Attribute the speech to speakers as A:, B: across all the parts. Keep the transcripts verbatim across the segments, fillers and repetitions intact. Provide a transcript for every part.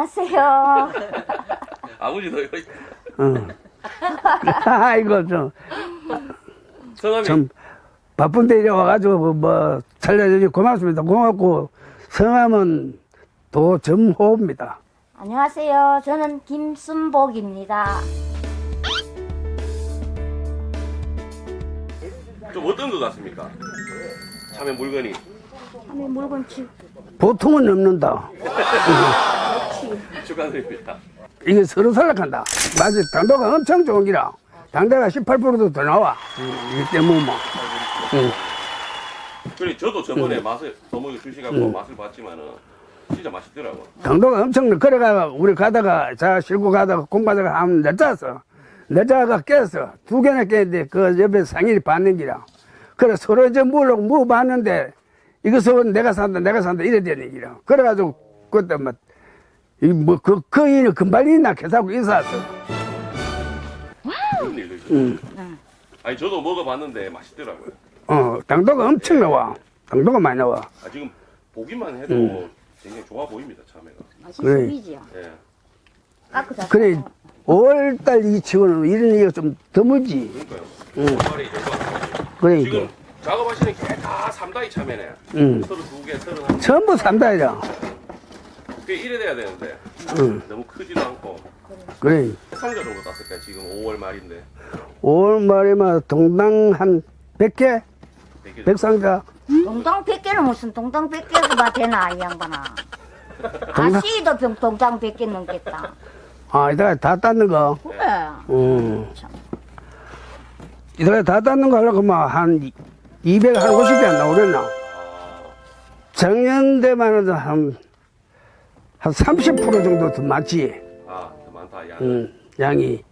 A: 안녕하세요.
B: 아버지도 여기
C: 어. 아이고 좀,
B: 성함이
C: 좀 바쁜데 이래 와가지고 뭐, 뭐 살려주니 고맙습니다. 고맙고 성함은 도점호입니다.
A: 안녕하세요. 저는 김순복입니다.
B: 좀 어떤 것 같습니까? 참외 물건이
A: 참외 물건 치.
C: 보통은 넘는다.
B: 축하드립니다.
C: 이게 서로 살락한다. 맞아. 당도가 엄청 좋은 기라. 당도가 십팔 퍼센트도 더 나와. 이게 때문에 뭐. 응.
B: 그래 저도 저번에
C: 음.
B: 맛을 어머니 주시갖고
C: 음.
B: 맛을 봤지만은 진짜 맛있더라고.
C: 당도가 엄청 그래가 우리 가다가 자 싣고 가다가 공 가다가 한 늦었어. 늦어가 깼어. 두 개나 깼는데 그 옆에 상인이 받는 기라. 그래 서로 이제 물고 뭐 봤는데 이것은 내가 산다 내가 산다 이래 되는 기라. 그래가지고 그때 뭐이뭐그 그 일이 금발 있나 계산하고 인사했어.
B: 그런 일도 있어요.
C: 응.
B: 아니 저도 먹어봤는데 맛있더라고요.
C: 어 당도가 엄청 나와. 당도가 많이 나와.
B: 아 지금 보기만 해도
C: 음.
B: 굉장히 좋아 보입니다 참외가.
A: 맛있어
C: 그래.
A: 보이지요?
B: 예.
A: 까끗하다.
C: 그래 오월달 이 치고는 이런 얘기가 좀 드물지.
B: 그러니까요.
C: 음.
B: 정말이 열받아가지고.
C: 그러니까.
B: 지금 작업하시는 게 다 삼다이 참외네.
C: 음.
B: 서른두 개, 서른한 개.
C: 전부 삼다이라.
B: 그게 이래 돼야 되는데
C: 응.
B: 너무 크지도 않고.
C: 그래.
B: 상자 정도 땄을까요? 지금 오월 말인데.
C: 오월 말에만 동당 한 백 개?
B: 백 개
C: 백 상자?
A: 동당 백 개는 무슨 동당 백 개가 되나 이 양반아.
C: 동당-
A: 아씨도 병 동당 백 개 넘겠다.
C: 아, 이따가 다 땄는 거.
A: 그래.
C: 음.
A: 참.
C: 이따가 다 땄는 거 하려고 막 한 이백, 한 오십 개 안 나오랬나?
B: 아,
C: 작년 때만 해도 한, 한 삼십 퍼센트 정도 더 많지.
B: 아, 더 많다. 양.
C: 음, 양이.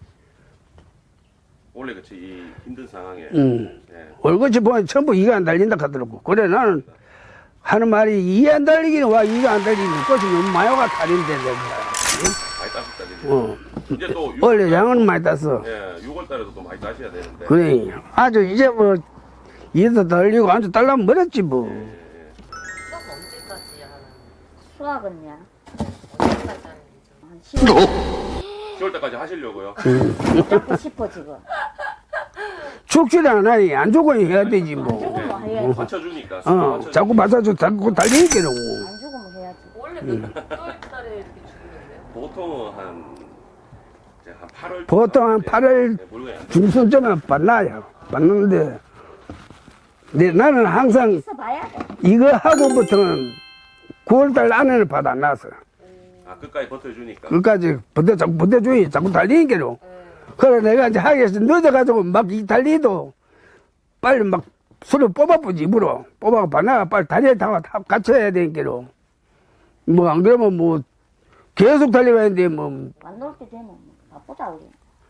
B: 원래 그치 이 힘든 상황에.
C: 음.
B: 예.
C: 월급이 보면 전부 이가 안 달린다 하더라고. 그래, 나는 하는 말이 이 안 달리기는 와, 이가 안 달리는 것이 너무 많이 와 달린데, 내가.
B: 많이 따셨다 이제.
C: 어.
B: 이제 또
C: 원래 양은 많이 땄어.
B: 예, 유월 달에도 또 많이 따셔야 되는데.
C: 그래. 아주 이제 뭐, 이도 달리고 아주 달라면 멀었지 뭐.
B: 예, 예.
D: 수업 언제까지 하는
A: 수학은요?
D: 언제까지 하는 거죠?
A: 한 시월
B: 시월 달까지 하시려고요.
A: 잡고 싶어 지금.
C: 죽지도 않아니. 안 죽으면 해야 되지 뭐.
A: 죽으면 해야지.
B: 맞춰주니까.
C: 어,
B: 맞춰주니까.
C: 자꾸 맞아줘. 자꾸 달리기로.
A: 안 죽으면 해야지.
D: 원래 몇 월 달에 이렇게 죽는데요?
B: 보통은 한 이제 한 팔월.
C: 보통 한 팔월
B: 물건이 안 돼.
C: 중순쯤에 받나요. 받는데. 근데 나는 항상
A: 있어 봐야 돼.
C: 이거 하고부터는 구월달 안에는 받아 안 나서.
B: 아 끝까지 버텨주니까.
C: 그까지 버텨, 자꾸 버텨주니 자꾸 달리기로. 그래 내가 이제 하기 위해서 늦어가지고 막 이 달리도 빨리 막 술을 뽑아보지 입으로. 뽑아가 받나가 빨리 다리에 담아 다 같이 해야 되니까로. 뭐 안 그러면 뭐 계속 달려가야 되는데 뭐
A: 안 놀 때 되면 바쁘다 우리.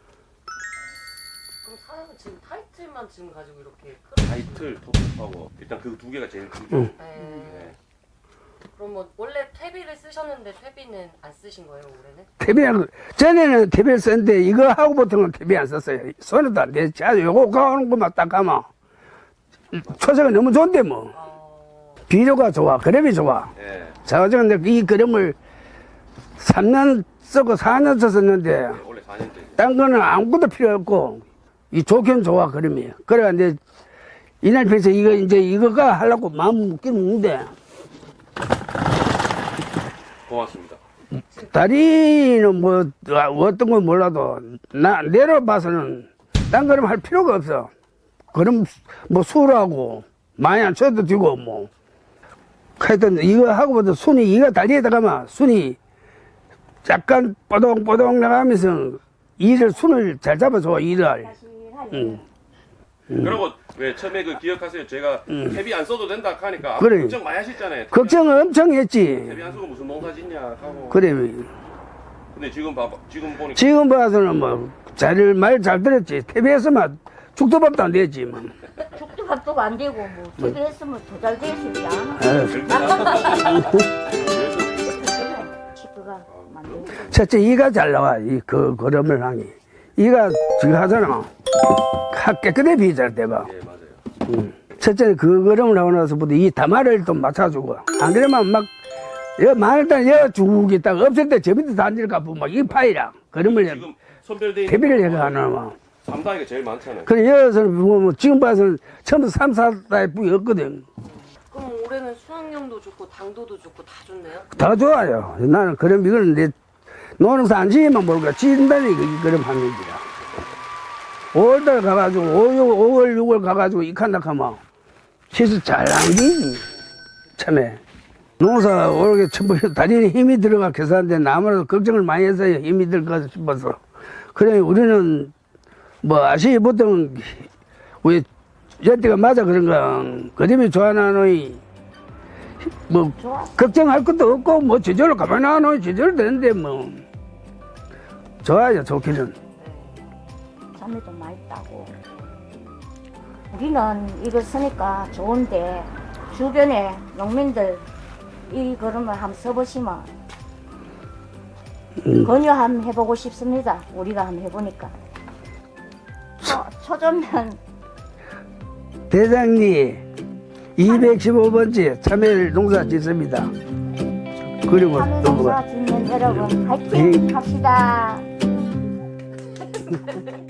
D: 그럼 사장님 지금 타이틀만 지금 가지고 이렇게 끌어
B: 타이틀, 톱하고 일단 그 두 개가 제일 크죠.
C: 응.
D: 네.
B: 네.
D: 그럼 뭐 원래 퇴비를 쓰셨는데 퇴비는 안 쓰신 거예요 올해는?
C: 태비는 전에는 태비를 썼는데 이거 하고부터는 태비 안 썼어요. 손에도 안 되지. 아주 요거 가오는 것만 딱 가면 초세가 너무 좋은데 뭐
D: 어...
C: 비료가 좋아, 그램이 좋아.
B: 예.
C: 자 어제 이 그램을 삼 년 쓰고 사 년 썼었는데
B: 네, 원래 사 년째.
C: 딴 거는 아무것도 필요 없고 이 좋긴 좋아 그램이. 그래 이제 이날 편에서 이거 이제 이거가 하려고 마음 먹긴 먹는데
B: 고맙습니다.
C: 다리는 뭐 어떤 건 몰라도 나 내려봐서는 딴 그림 할 필요가 없어. 그럼 뭐 술하고 많이 안 쳐도 되고 뭐 하여튼 이거 하고부터 순이 이가 다리에다 가면 순이 약간 뽀동뽀동 나가면서 이를 순을 잘 잡아줘 이를. 응.
B: 그리고 왜 처음에 그 기억하세요? 제가 퇴비 안 써도 된다 하니까
C: 음. 그래.
B: 걱정 많이 하셨잖아요.
C: 걱정을 엄청 했지.
B: 퇴비 안 쓰고 무슨 농사 짓냐 하고.
C: 그래.
B: 근데 지금 봐봐, 지금 보니까
C: 지금 봐서는 뭐 자리를 말 잘 들었지. 티비에서만 죽도 밥도 안 되지 뭐.
A: 죽도 밥도 안 되고 뭐 TV 했으면 더 잘 됐을 야.
C: 에휴.
A: 치프가 만들고.
C: 첫째 이가 잘 나와. 이 그 거름을 하니. 이가 지금 하잖아. 하 깨끗해 비잘 대봐.
B: 예 맞아요.
C: 음. 첫째는 그 거름을 하고 나서부터 이 다마를 또 맞춰주고. 안 그러면 막 여 마늘단 여쭉 있다가 없을 때 저 밑에 단지를 보면 막이 파이라. 그러면
B: 지금 선별돼 있는
C: 대비를 해가 안 하면.
B: 삼 단위가 제일 많잖아요.
C: 그래 여기서는 뭐 지금 봐서는 처음부터 삼, 사 단위 뿌이 없거든.
D: 그럼 올해는 수확량도 좋고 당도도 좋고 다 좋네요?
C: 다 좋아요. 나는 그럼 이거는 내 노농사 안 지으면 모르겠 지은다니 그럼 하는 얘기라. 오월달 가가지고 오월, 유월 가가지고 이칸닥하면 시수 잘 남기지. 참에 농사 오르게 처음 다리에 힘이 들어가 계산데 아무래도 걱정을 많이 했어요. 힘이 들어가 싶어서. 그래 우리는 뭐 아시이 보통 우리 여태가 맞아 그런가 그림이 좋아하노니 뭐
A: 좋아.
C: 걱정할 것도 없고 뭐 제대로 가만히 놔놓으면 제대로 되는데 뭐 좋아요 좋기는.
A: 참외도 많이 따고. 우리는 이거 쓰니까 좋은데 주변에 농민들 이 그림을 한번 써보시면
C: 음.
A: 권유 한번 해보고 싶습니다. 우리가 한번 해보니까. 초, 초전면
C: 대장님 이백십오 번째 참외 농사 짓습니다. 그리고
A: 참외
C: 또
A: 농사
C: 뭐가
A: 짓는 여러분 화이팅
C: 예.
A: 합시다.